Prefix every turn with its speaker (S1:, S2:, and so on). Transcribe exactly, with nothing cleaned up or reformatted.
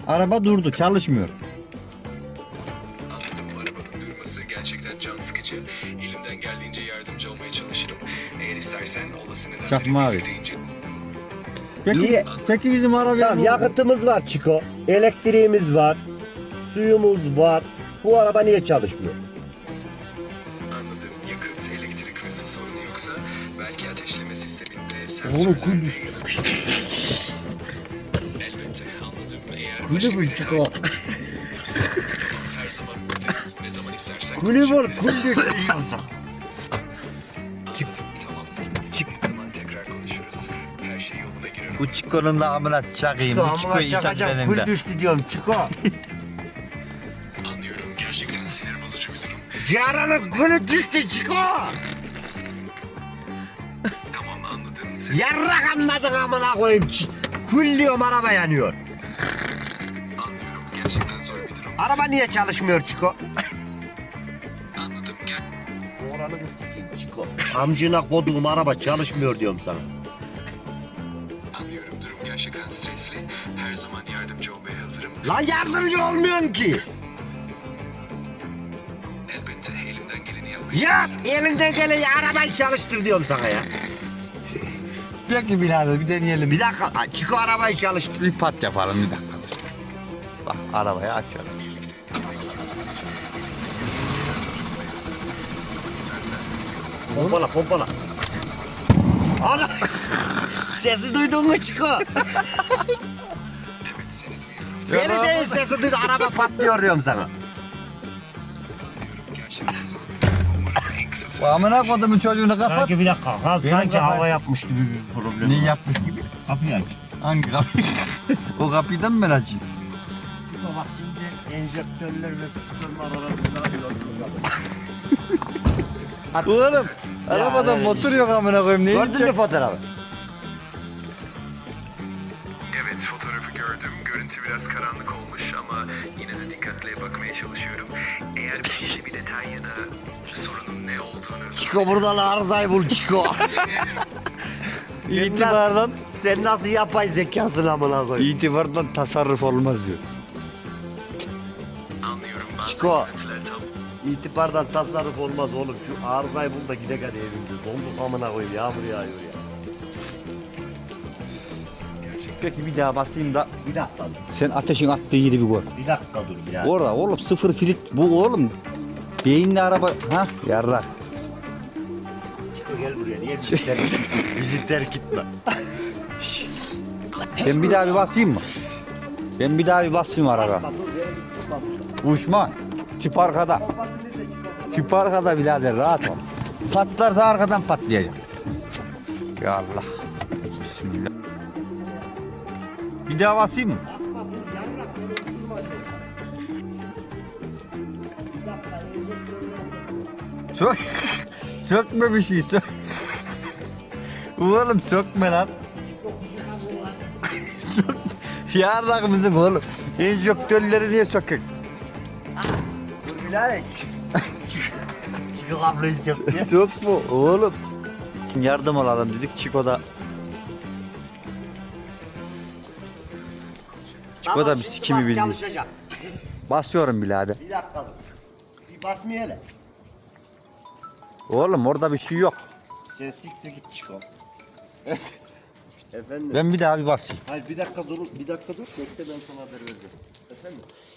S1: Araba durdu, çalışmıyor.
S2: Anladım, arabanın durması gerçekten can sıkıcı. Elimden geldiğince yardımcı olmaya çalışırım. Eğer istersen olası nedenleri
S1: Çakma abi.
S2: birlikte ince...
S1: Peki,
S3: Niye?
S1: peki bizim araba...
S3: Tamam, yakıtımız var Çiko. Elektriğimiz var. Suyumuz var. Bu araba niye çalışmıyor?
S2: Anladım, yakıt, elektrik ve su sorunu yoksa belki ateşleme sisteminde
S3: Oğlum
S2: sensörler...
S3: kul düştü.
S2: Elbette, anladım. Eğer
S3: Kulü
S2: başka
S3: bul
S2: bir
S3: Çiko.
S2: detay... Her zaman buradayım. Ne zaman istersen
S3: Kulü bul,
S2: konuşabiliriz.
S3: kul düştü.
S2: Tamam, istediğin zaman tekrar konuşuruz. Her şey yoluna girer.
S1: Bu Çiko'nun da amına çakayım. Bu Çiko'yu içecek
S3: Kul
S1: elinde.
S3: düştü diyorum Çiko.
S2: Anlıyorum, gerçekten sinir bozucu bir durum.
S3: Yaranın kulü düştü Çiko.
S2: Tamam, anladım. Sen...
S3: Yarrak anladın amına koyayım. Ç- Kul diyorum, araba yanıyor.
S2: Anlıyorum, gerçekten zor bir durum.
S3: Araba niye çalışmıyor Çiko?
S2: Anladım, gel.
S3: Oranı sikeyim Çiko. Amcına koduğum araba çalışmıyor diyorum sana.
S2: Anlıyorum, durum gerçekten stresli. Her zaman yardımcı olmaya hazırım.
S3: Lan yardımcı olmuyorsun ki.
S2: Elbette elimden geleni yapmaya
S3: Yap,
S2: çalışırım.
S3: elinden geleni arabayı çalıştır diyorum sana ya.
S1: Peki birader bir deneyelim.
S3: Bir dakika, Çiko arabayı çalıştır.
S1: Bir pat yapalım bir dakika. Bak arabayı açıyorum.
S2: Birlikte yemek yemeye çalışırız. Zaman istersen destek ol.
S3: Pompala, pompala. Ana! Sesi duydun mu Çiko?
S2: Evet, seni duyuyorum.
S3: Beni değil, sesi duydun, araba patlıyor diyorum sana.
S2: Anlıyorum, gerçekten zor bir durum. Umarım en kısa
S1: Bu
S2: sürede...
S1: amına kodumun çocuğunu kapat.
S3: Sanki bir dakika, ha,
S1: Benim
S3: sanki
S1: kafa-
S3: hava yapmış gibi bir problem
S1: Ne
S3: var.
S1: yapmış gibi?
S3: Kapıyı aç.
S1: Hangi kapı? O kapıyı da mı ben açayım?
S3: Çiko bak şimdi enjektörler ve kıstırmalar arasında
S1: Oğlum arabadan
S3: evet.
S1: motor yok amına koyayım. Ne
S3: Gördün mü fotoğrafı?
S2: Evet, fotoğrafı gördüm. Görüntü biraz karanlık olmuş ama yine de dikkatle bakmaya çalışıyorum. Eğer belirli bir detay ya da sorunun ne olduğunu...
S3: Çiko buradan arızayı bul Çiko.
S1: İtibardan,
S3: Sen nasıl yapay zekasın amına koyayım?
S1: itibardan tasarruf olmaz diyor.
S2: Anlıyorum, bazı
S3: Çiko.
S2: görüntüler tam...
S3: İtibardan tasarruf olmaz oğlum. Şu arızayı bul da gidek hadi evimde. Donduk amına koyayım, yağmur yağıyor ya.
S1: Peki bir daha basayım da
S3: Bir dakika dur.
S1: sen ateşin attığı yeri bir gör.
S3: Bir dakika dur ya.
S1: Orada oğlum sıfır filit bu oğlum. Beyinli araba ha yarrak.
S3: Çiko gel buraya. Niye bizi terk, bizi terk etme?
S1: Ben bir daha bir basayım mı? Ben bir daha bir basayım araba.
S3: Dur, beni bir tutma.
S1: Uçma. Tüp arkada. Tüp arkada birader rahat ol. Patlarsa arkadan patlayacak. Ya Allah. Bismillah. Bir daha basayım mı? Sök. Sökme bir şey. Sök. Oğlum sökme lan. Sök. Yarrak mısın oğlum? Enjektörleri niye sökük?
S3: Dur birader. Çiko kabloyu söktü.
S1: Sökme oğlum. Şimdi yardım alalım dedik. Çiko da Çiko da bir
S3: şimdi
S1: sikimi
S3: bak,
S1: bildi.
S3: çalışacak.
S1: Basıyorum birader.
S3: Bir dakika dur. Bir basmıyor hele.
S1: Oğlum orada bir şey yok.
S3: Sen siktir git Çiko. Efendim.
S1: Ben bir daha bir basayım.
S3: Hayır bir dakika dur, bir dakika dur. Bekle, ben sana haber vereceğim. Efendim.